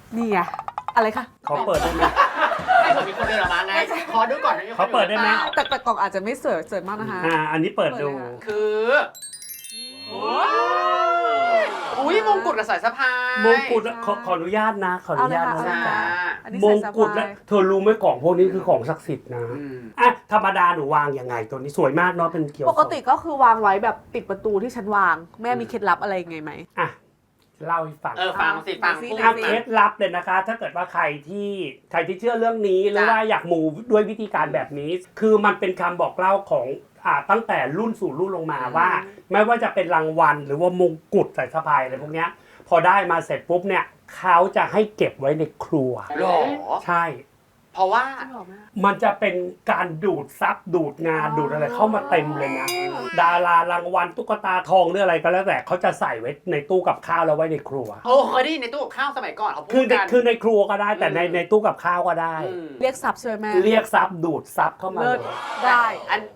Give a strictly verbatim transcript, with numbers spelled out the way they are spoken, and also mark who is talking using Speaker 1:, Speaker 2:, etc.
Speaker 1: นี่ไงอะไรคะ
Speaker 2: เขาเปิดได้ไหม
Speaker 3: ให้เผื่อมีคนเดินออกมาไงขอดูก่อนนะ
Speaker 2: เขาเปิดได้ไหม
Speaker 1: แต่แต่กล่องอาจจะไม่สวยสวยมากนะคะ
Speaker 2: อ่าอันนี้เปิดดู
Speaker 3: คืออุ้ยมงกุฎกับสายสะพาย
Speaker 2: มงกุฎขอขออนุญาตนะขออนุญาต
Speaker 1: เอา
Speaker 2: นะ
Speaker 1: เลยค่ะ
Speaker 2: จ๊ะ
Speaker 1: อันนี้
Speaker 2: ม
Speaker 1: ใส่
Speaker 2: ง
Speaker 1: ส
Speaker 2: กุฎ
Speaker 1: บา
Speaker 2: และ
Speaker 1: ย
Speaker 2: เธอรู้ไหมกล่องพวกนี้คือของศักดิ์สิทธิ์นะ
Speaker 3: อืม
Speaker 2: อ่ะธรรมดาหนูวางยังไงตัวนี้สวยมากเนาะเป็นเกียว
Speaker 1: ปกติก็คือวางไว้แบบติดประตูที่ฉันวาง แม่มีเคล็ดลับอะไรยังไงไหม
Speaker 2: อ่ะเล่าให้ฟัง
Speaker 3: เออฟังสิฟัง
Speaker 1: สิ
Speaker 3: พูด
Speaker 2: เอา
Speaker 1: สิ
Speaker 2: เคล็ดลับเลยนะคะ ถ้าเกิดว่าใครที่ใครที่เชื่อเรื่องนี้หรือ
Speaker 3: จ้ะ
Speaker 2: ว่าอยากมูด้วยวิธีการแบบนี้ คือมันเป็นคำบอกเล่าของอ่าตั้งแต่รุ่นสู่รุ่นลงมาว่า ไม่ว่าจะเป็นรางวัลหรือว่ามงกุฎสายสะพายอะไรพวกเนี้ยพอได้มาเสร็จปุ๊บเนี่ยเขาจะให้เก็บไว้ในครัว
Speaker 3: หรอ
Speaker 2: ใช่
Speaker 3: เพราะว่า
Speaker 2: มันจะเป็นการดูดซับดูดงานดูดอะไรเข้ามาเต็มเลยนะ ดารารางวัลตุ๊กตาทองหรืออะไรก็แล้วแต่เขาจะใส่ไว้ในตู้กับข้าวแล้วไว้ในครัว
Speaker 3: โอ้เคยได้ยินในตู้กับข้าวสมัยก่อนเขาพู
Speaker 2: คือ
Speaker 3: ด
Speaker 2: ใน
Speaker 3: กัน
Speaker 2: คือในครัวก็ได้แต่ใน
Speaker 3: อืม
Speaker 2: ในตู้กับข้าวก็ได้
Speaker 3: อืม
Speaker 1: เรียกซับใช่ไหมแม่
Speaker 2: เรียกซับดูดซับเข้ามา
Speaker 1: เลิ
Speaker 2: เล
Speaker 1: ศ
Speaker 2: ย
Speaker 1: ได้
Speaker 3: อัน